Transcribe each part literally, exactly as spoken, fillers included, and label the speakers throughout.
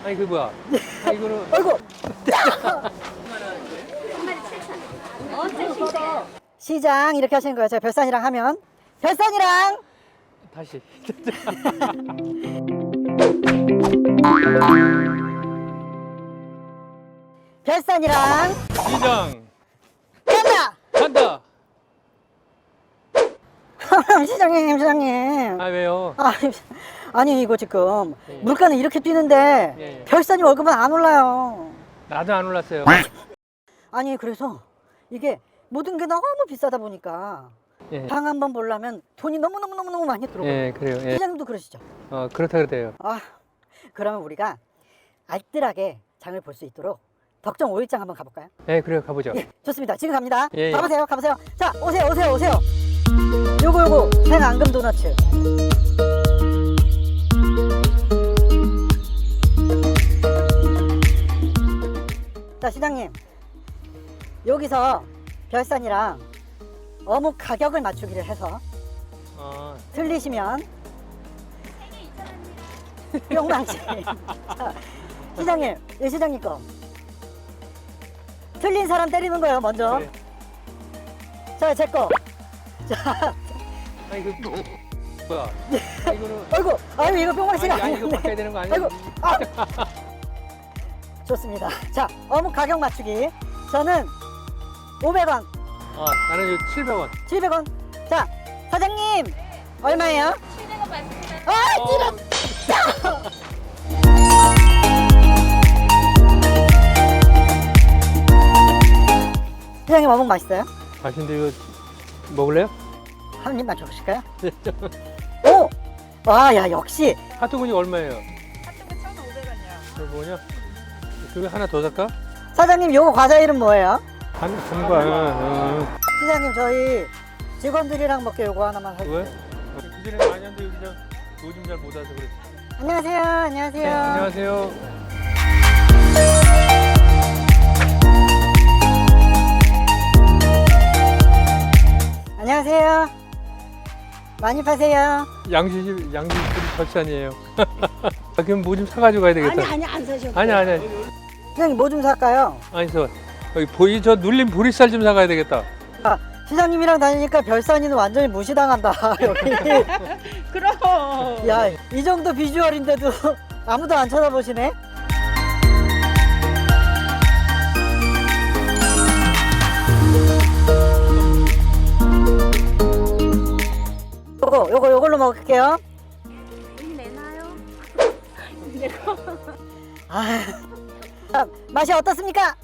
Speaker 1: 아니 그 뭐야? 아 이거는
Speaker 2: 아이고.
Speaker 3: 엄청 싱싱해.
Speaker 2: 시장 이렇게 하시는 거예요. 제가 별산이랑 하면 별산이랑
Speaker 1: 다시.
Speaker 2: 별산이랑
Speaker 1: 시장
Speaker 2: 간다.
Speaker 1: 간다.
Speaker 2: 시장님, 시장님.
Speaker 1: 아 왜요?
Speaker 2: 아, 아니 이거 지금
Speaker 1: 예.
Speaker 2: 물가는 이렇게 뛰는데
Speaker 1: 예, 예.
Speaker 2: 별산이 월급은 안 올라요.
Speaker 1: 나도 안 올랐어요.
Speaker 2: 아니 그래서 이게 모든 게 너무 비싸다 보니까
Speaker 1: 예.
Speaker 2: 방 한 번 보려면 돈이 너무너무너무너무 많이 들어가요.
Speaker 1: 예 그래요. 예.
Speaker 2: 시장님도 그러시죠?
Speaker 1: 어 그렇다 그래요.
Speaker 2: 아, 그러면 우리가 알뜰하게 장을 볼 수 있도록 덕정 오일장 한번 가볼까요?
Speaker 1: 예 그래요 가보죠.
Speaker 2: 예, 좋습니다. 지금 갑니다.
Speaker 1: 예, 예.
Speaker 2: 가보세요, 가보세요. 자, 오세요, 오세요, 오세요. 요거 요거 생앙금 도너츠. 자, 시장님 여기서 별산이랑 어묵 가격을 맞추기를 해서
Speaker 1: 어,
Speaker 2: 틀리시면 뿅망치. 자, 시장님, 예, 시장님 거. 틀린 사람 때리는 거예요, 먼저.
Speaker 1: 그래.
Speaker 2: 자, 제 거. 자,
Speaker 1: 아니 그 뭐야? 아, 이거는
Speaker 2: 아이고, 아이고, 이거 뿅망치가
Speaker 1: 아니, 아니 이거
Speaker 2: 아니었네.
Speaker 1: 바꿔야 되는 거 아니야?
Speaker 2: 아이고, 아. 좋습니다. 자, 어묵 가격 맞추기. 저는 오백 원,
Speaker 1: 어 나는 이거 칠백 원.
Speaker 2: 칠백 원. 자, 사장님, 얼마예요?
Speaker 3: 칠백 원 맞습니다.
Speaker 2: 아,
Speaker 1: 어,
Speaker 2: 찔렀 사장님, 어묵 맛있어요?
Speaker 1: 맛있는데 이거 먹을래요?
Speaker 2: 한 입 맞춰보실까요? 오! 와, 야, 역시.
Speaker 1: 핫도그니 얼마예요?
Speaker 3: 핫도그 천오백 원이요.
Speaker 1: 이거 뭐냐? 그거 하나 더 살까?
Speaker 2: 사장님, 요거 과자 이름 뭐예요?
Speaker 1: 한 한거 어.
Speaker 2: 사장님, 저희 직원들이랑 먹게 요거 하나만
Speaker 1: 왜?
Speaker 2: 사주세요.
Speaker 1: 그 전에 많이 왔는데 요즘 요즘 잘 못 와서 그래.
Speaker 2: 안녕하세요, 안녕하세요.
Speaker 1: 네, 안녕하세요.
Speaker 2: 안녕하세요. 많이 파세요.
Speaker 1: 양지집 양지집 절찬이에요. 아, 그럼 뭐 좀 사가지고 가야 되겠다.
Speaker 2: 아니, 아니, 안 사셔도
Speaker 1: 아니 아니.
Speaker 2: 사장님, 뭐 좀 살까요?
Speaker 1: 아니 저 여기 보이 저 눌린 보리쌀 좀 사가야 되겠다.
Speaker 2: 아, 시장님이랑 다니니까 별산이는 완전히 무시당한다, 여기.
Speaker 3: 그럼.
Speaker 2: 야, 이 정도 비주얼인데도 아무도 안 쳐다보시네? 요거, 요거, 요걸로 먹을게요.
Speaker 3: 여기 내놔요.
Speaker 2: 아, 자, 맛이 어떻습니까?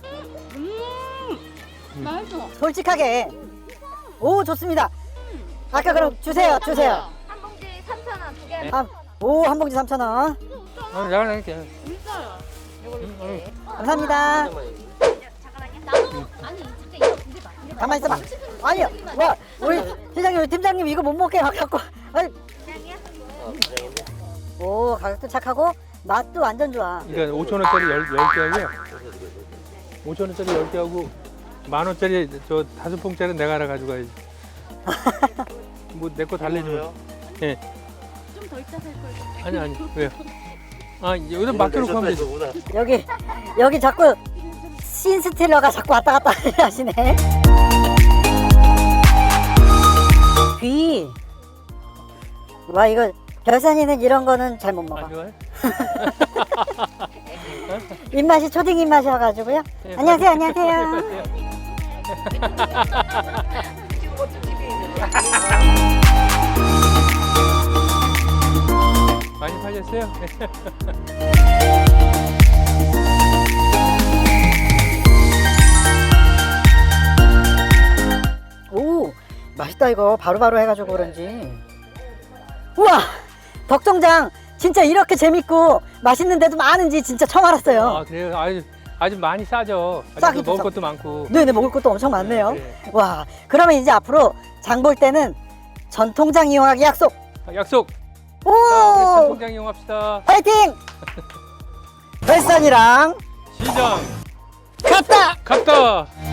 Speaker 3: 음. 맛있어.
Speaker 2: 솔직하게. 오, 좋습니다. 아까 그럼 주세요, 주세요.
Speaker 3: 한 봉지 삼천 원 두 개.
Speaker 2: 아, 오, 한 봉지 삼천 원.
Speaker 1: 아, 내가 낼게.
Speaker 3: 진짜요. 이걸로
Speaker 1: 응,
Speaker 3: 줄게.
Speaker 2: 감사합니다.
Speaker 3: 잠깐만요. 나도 아니 진짜 이거 근데 봐. 근데 봐.
Speaker 2: 가만히 있어봐. 아니요, 와, 우리 시장님, 팀장님 이거 못 먹게 막 갖고. 아니,
Speaker 3: 그냥이야?
Speaker 2: 오, 가격도 착하고 맛도 완전 좋아.
Speaker 1: 그러니까 오천 원짜리 열 개 하고요. 오천 원짜리 열 개 하고 만 원짜리 저 다섯 봉짜리 내가 하나 가져가야지. 뭐 내 거 달래주면. 예.
Speaker 3: 좀 더 있다 살 걸.
Speaker 1: 아니 아니 왜요? 아 여기다 맡겨놓고 하면 되지.
Speaker 2: 여기, 여기 자꾸 신스틸러가 자꾸 왔다 갔다 하시네. 귀. 와, 이거 별산이는 이런 거는 잘 못
Speaker 1: 아
Speaker 2: 먹어.
Speaker 1: 좋아요?
Speaker 2: 입맛이 초딩 입맛이어가지고요.
Speaker 1: 예,
Speaker 2: 안녕하세요, 안녕하세요.
Speaker 1: 많이 팔렸어요?
Speaker 2: 오, 맛있다 이거. 바로바로 해가지고 그런지. 우와, 덕정장 진짜 이렇게 재밌고 맛있는 데도 많은지 진짜 처음 알았어요.
Speaker 1: 아 그래요? 아주 아주 많이 싸죠. 아주
Speaker 2: 싸기도
Speaker 1: 먹을
Speaker 2: 싸고.
Speaker 1: 것도 많고.
Speaker 2: 네네, 먹을 것도 엄청 많네요.
Speaker 1: 네, 네.
Speaker 2: 와, 그러면 이제 앞으로 장 볼 때는 전통장 이용하기 약속.
Speaker 1: 아, 약속.
Speaker 2: 오,
Speaker 1: 자, 우리 전통장 이용합시다.
Speaker 2: 파이팅! 별산이랑
Speaker 1: 시장
Speaker 2: 갔다.
Speaker 1: 갔다.